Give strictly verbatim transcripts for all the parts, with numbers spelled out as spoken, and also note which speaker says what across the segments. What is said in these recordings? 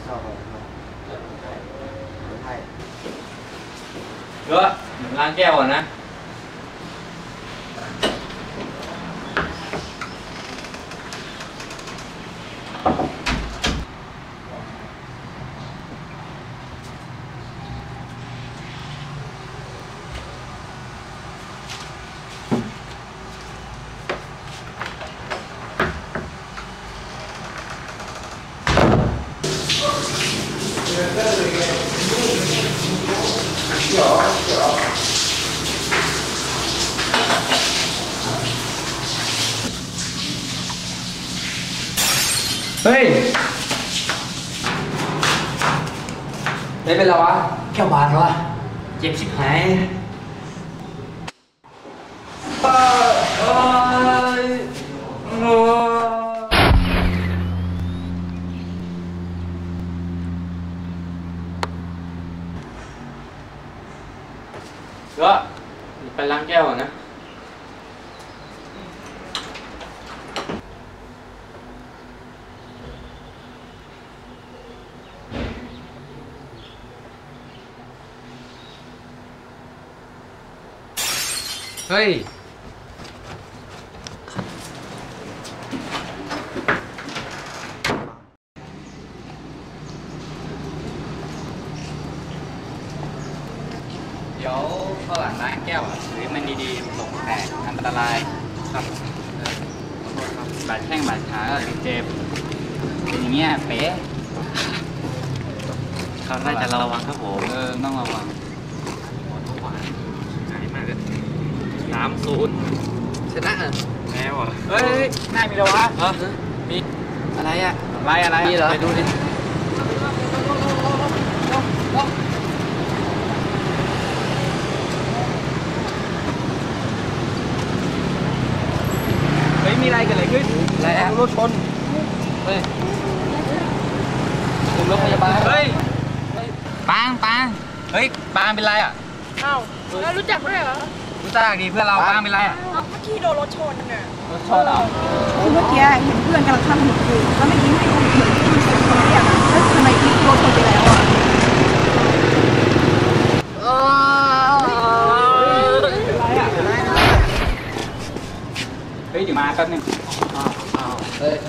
Speaker 1: ชอบอะไรครับใช่ใช่
Speaker 2: เยอะล้างแก้วก่อนนะเฮ้ยไม่เป็นไรวะแก้วบาดวะเจ็บชิบหายเออเออเออไปล้างแก้วก่อนนะเฮ้ยเดี๋ยวข้างหลังล้างแก้วหรือมันดีๆตกแตกอันตรายครับขอโทษครับบาดแข้งบาดขาก็เจ็บเป็นอย่างเงี้ยเป๊ะเขาน่าจะระวังครับผมเออต้องระวังสามศูนย์ชนะเหรอแพ้วะเฮ้ยนายมีอะไรวะมีอะไรอะอะไรอะไรมีเหรอไปดูดิเฮ้ยมีอะไรกันอะไรขึ้นอะไรอะรถชนเฮ้ยรถพยาบาลเฮ้ยปางปางเฮ้ยปางเป็นไรอะ
Speaker 3: อ้าวแล้วรู้จักด้วยเหรอ
Speaker 2: รู้จักดีเพื่อนเราปางเป็นไรอะ
Speaker 3: เมื่อกี้โดนรถชนน่ะ
Speaker 2: รถชนเหรอ
Speaker 4: คือเมื่อกี้เห็นเพื่อนกำลังข้ามถนนอยู่แล้วไม่ยิ้มให้คนเหมือนที่เสียงคนเรียกอะแล้วทำไมที่รถชนไปแล้วอ่ะ
Speaker 2: เฮ้ยเดี๋ยวมาแป๊บนึงอ้าวอ้าวเฮ้ย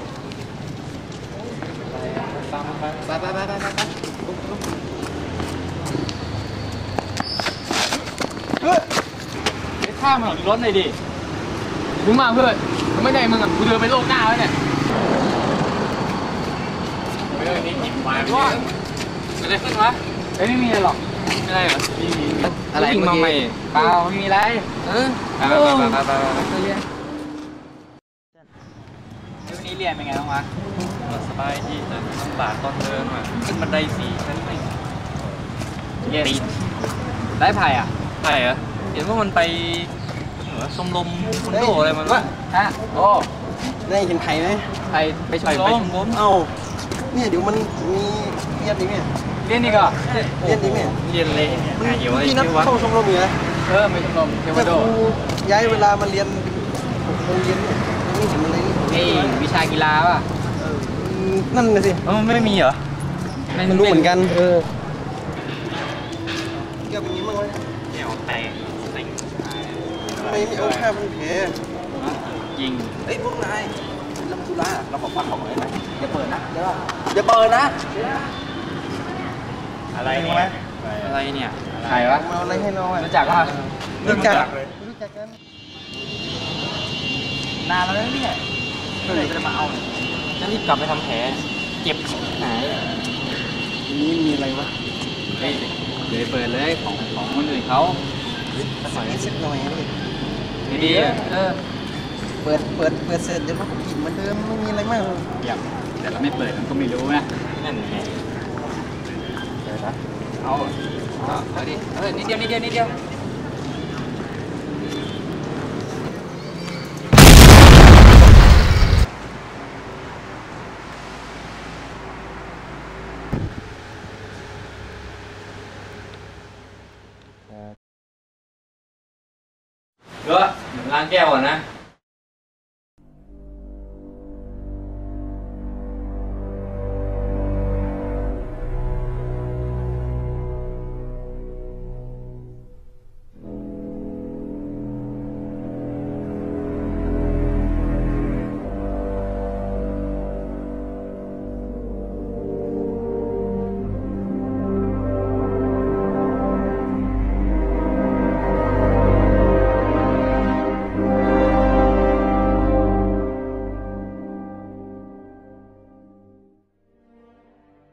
Speaker 2: ไปไปไปไปไปไปเฮ้ยไอ้ข้ามันหลังรถหน่อยดิมึงมาเพื่อนมึงไม่ได้มึงอ่ะกูเดินไปโลกหน้าแล้วเนี่ยเฮ้ยนี่หยิบมาไม่ได้อะไรขึ้นวะเฮ้ยไม่มีอะไรหรอกไม่ได้เหรอไม่มีอะไรมาใหม่เปล่าไม่มีอะไรเออไปไปไปไปไปไปเรียนวันนี้เรียนเป็นไงบ้างวะสบายดีแต่ลำบากตอนเดินอ่ะขึ้นบันไดสี่ชั้นไม่เย็นได้ไผ่อ่ะไผ่อ่ะเห็นว่ามันไปเหนือชมรมคุณโดอะไรมันวะฮะโอ้
Speaker 1: ได้เห็นไผ่ไหม
Speaker 2: ไผ่ไปชมรม
Speaker 1: เอ้าเนี่ยเดี๋ยวมันมีเรียนดิเนี่ย
Speaker 2: เรียนนี่ก็
Speaker 1: เรียนดิเนี่ย
Speaker 2: เรียนเลยมันอยู่อะไร
Speaker 1: ที่นักเข้าชมรมอยู่นะ
Speaker 2: เออไม่ชมรมเทวโด
Speaker 1: ย้ายเวลามาเรียนโรงเรียนเนี่ยไม่เห็นอะไร
Speaker 2: นี่วิชากีฬาป่ะ
Speaker 1: นั่นน่ะสิ
Speaker 2: อ๋อไม่มีเหรอ
Speaker 1: ไม่รู้เหมือนกันเออเกี่ยวกับนี้มั้งวะ
Speaker 2: เกี่ยวแตกแตก
Speaker 1: ทำไมไม่เอาผ้าพันแผล
Speaker 2: ยิง
Speaker 1: เอ้ยพวกนายลำตุลาเราขอฟังของเลยไหมอย่าเปิดนะเดี๋ยวอย่าเปิดนะ
Speaker 2: อะไรเนี่ยอะไรเนี่ยใครวะ
Speaker 1: มาอะไรให้น้อง
Speaker 2: รู้จักป่ะ
Speaker 1: รู้จักรู้จักกัน
Speaker 2: นานแล้วเนี่ยก็เลยจะมาเอาจะรีบกลับไปทำแผลเจ็บหาย
Speaker 1: นี่มีอะไรวะ
Speaker 2: เฮ้ยเดี๋ยวเปิดเลยของของคนอื่นเขา
Speaker 1: ใส่สักหน่อยนี่
Speaker 2: ดีเออ
Speaker 1: เปิดเปิดเปิดเสร็จเดี๋ยวมันก็กินเหมือนเดิมไม่มีอะไรมาก
Speaker 2: อย่างแต่เราไม่เปิดมันก็ไม่รู้นะนั่นไงเดี๋ยวนะเอาเอาดิเออนิดเดียวนิดเดียวนิดเดียวเดี๋ยวล้างแก้วก่อนนะ